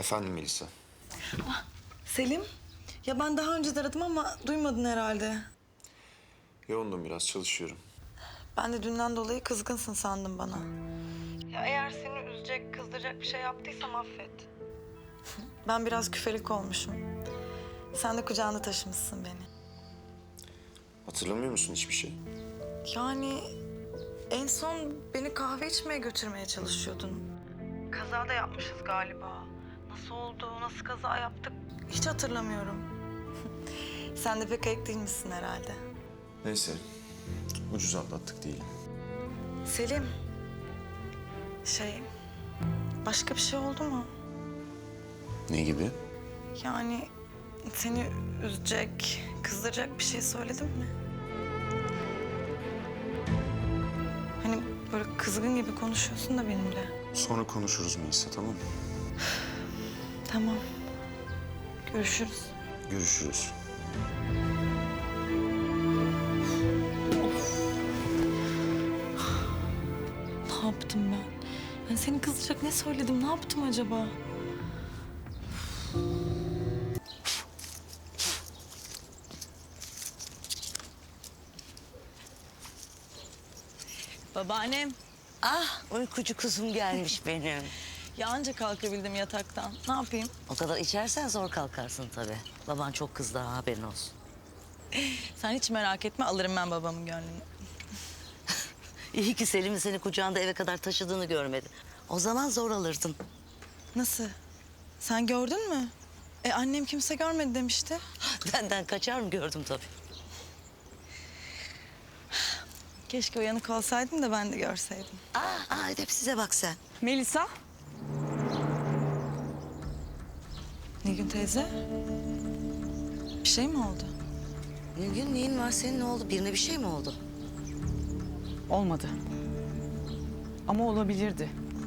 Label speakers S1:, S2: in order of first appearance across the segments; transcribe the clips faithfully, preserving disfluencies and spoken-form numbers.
S1: Efendim Melisa.
S2: Selim, ya ben daha önce de aradım ama duymadın herhalde.
S1: Yoğundum biraz, çalışıyorum.
S2: Ben de dünden dolayı kızgınsın sandım bana. Ya eğer seni üzecek, kızdıracak bir şey yaptıysam affet. Ben biraz küfelik olmuşum. Sen de kucağında taşımışsın beni.
S1: Hatırlamıyor musun hiçbir şey?
S2: Yani en son beni kahve içmeye götürmeye çalışıyordun. Kaza da yapmışız galiba. Nasıl oldu, nasıl kaza yaptık hiç hatırlamıyorum. Sen de pek ayık değilmişsin herhalde.
S1: Neyse, ucuz atlattık diyelim.
S2: Selim, şey, başka bir şey oldu mu?
S1: Ne gibi?
S2: Yani seni üzecek, kızdıracak bir şey söyledim mi? Hani böyle kızgın gibi konuşuyorsun da benimle.
S1: Sonra konuşuruz Melisa, tamam mı?
S2: Tamam, görüşürüz.
S1: Görüşürüz.
S2: Ne yaptım ben? Ben seni kızdıracak ne söyledim, ne yaptım acaba? Babaannem,
S3: Ah, uykucu kuzum gelmiş benim.
S2: ya anca kalkabildim yataktan. Ne yapayım?
S3: O kadar içersen zor kalkarsın tabii. Baban çok kızdı ha, haberin olsun.
S2: Sen hiç merak etme, alırım ben babamın gönlünü.
S3: İyi ki Selim'in seni kucağında eve kadar taşıdığını görmedi. O zaman zor alırdın.
S2: Nasıl? Sen gördün mü? E annem kimse görmedi demişti.
S3: Benden kaçar mı gördüm tabii.
S2: Keşke uyanık olsaydın da ben de görseydim.
S3: Aa, aa edep size bak sen.
S2: Melisa. Nilgün teyze. Bir şey mi oldu?
S3: Nilgün neyin var senin, ne oldu? Birine bir şey mi oldu?
S4: Olmadı. Ama olabilirdi.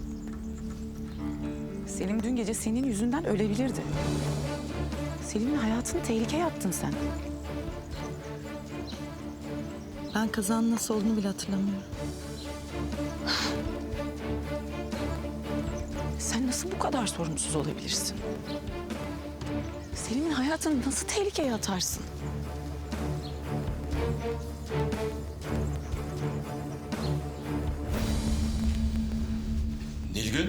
S4: Selim dün gece senin yüzünden ölebilirdi. Selim'in hayatını tehlikeye attın sen.
S2: Ben kazanın nasıl olduğunu bile hatırlamıyorum.
S4: Sen nasıl bu kadar sorumsuz olabilirsin? Selim'in hayatını nasıl tehlikeye atarsın?
S1: Nilgün.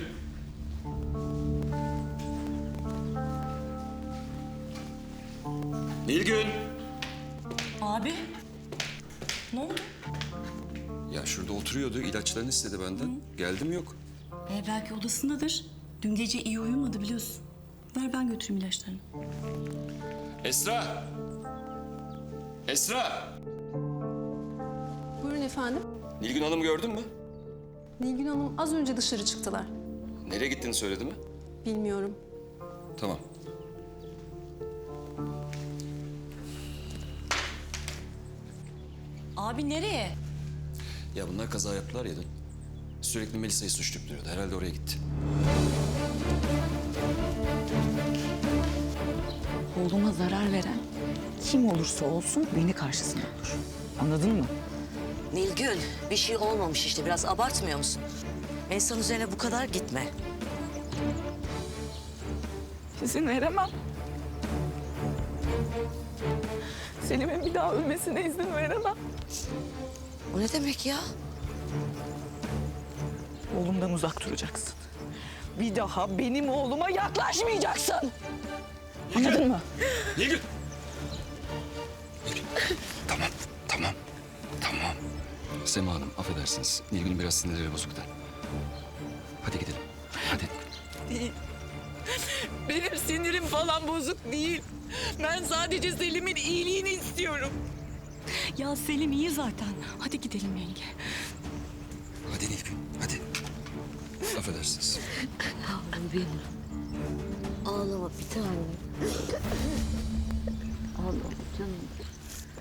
S1: Nilgün.
S5: Abi, ne oldu?
S6: Ya şurada oturuyordu, ilaçlarını istedi benden. Geldim yok.
S5: Ee, belki odasındadır. Dün gece iyi uyumadı biliyorsun. Ver ben götüreyim ilaçlarını.
S6: Esra! Esra!
S7: Buyurun efendim.
S6: Nilgün Hanım gördün mü?
S7: Nilgün Hanım az önce dışarı çıktılar.
S6: Nereye gittiğini söyledi mi?
S7: Bilmiyorum.
S6: Tamam.
S5: Abi nereye?
S6: Ya bunlar kaza yaptılar ya dün. Sürekli Melisa'yı suçlayıp duruyordu. Herhalde oraya gitti.
S4: Oğluma zarar veren kim olursa olsun beni karşısında olur. Anladın mı?
S3: Nilgün, bir şey olmamış işte. Biraz abartmıyor musun? İnsan üzerine bu kadar gitme.
S4: İzin veremem. Selim'in bir daha ölmesine izin veremem.
S3: O ne demek ya?
S4: Oğlumdan uzak duracaksın. Bir daha benim oğluma yaklaşmayacaksın. Anladın mı?
S6: Nilgün! Nilgün. Tamam, tamam, tamam. Sema Hanım, affedersiniz. Nilgün'ün biraz sinirleri bozuktu. Hadi gidelim. Hadi.
S8: Benim sinirim falan bozuk değil. Ben sadece Selim'in iyiliğini istiyorum.
S5: Ya Selim iyi zaten. Hadi gidelim yenge.
S6: Hadi Nilgün, hadi. Affedersiniz.
S3: Yavrum benim. Ağlama bir tanem. Ağlama canım.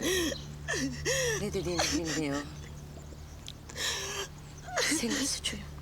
S3: Ne dediğini bilmiyor. Senin suçun.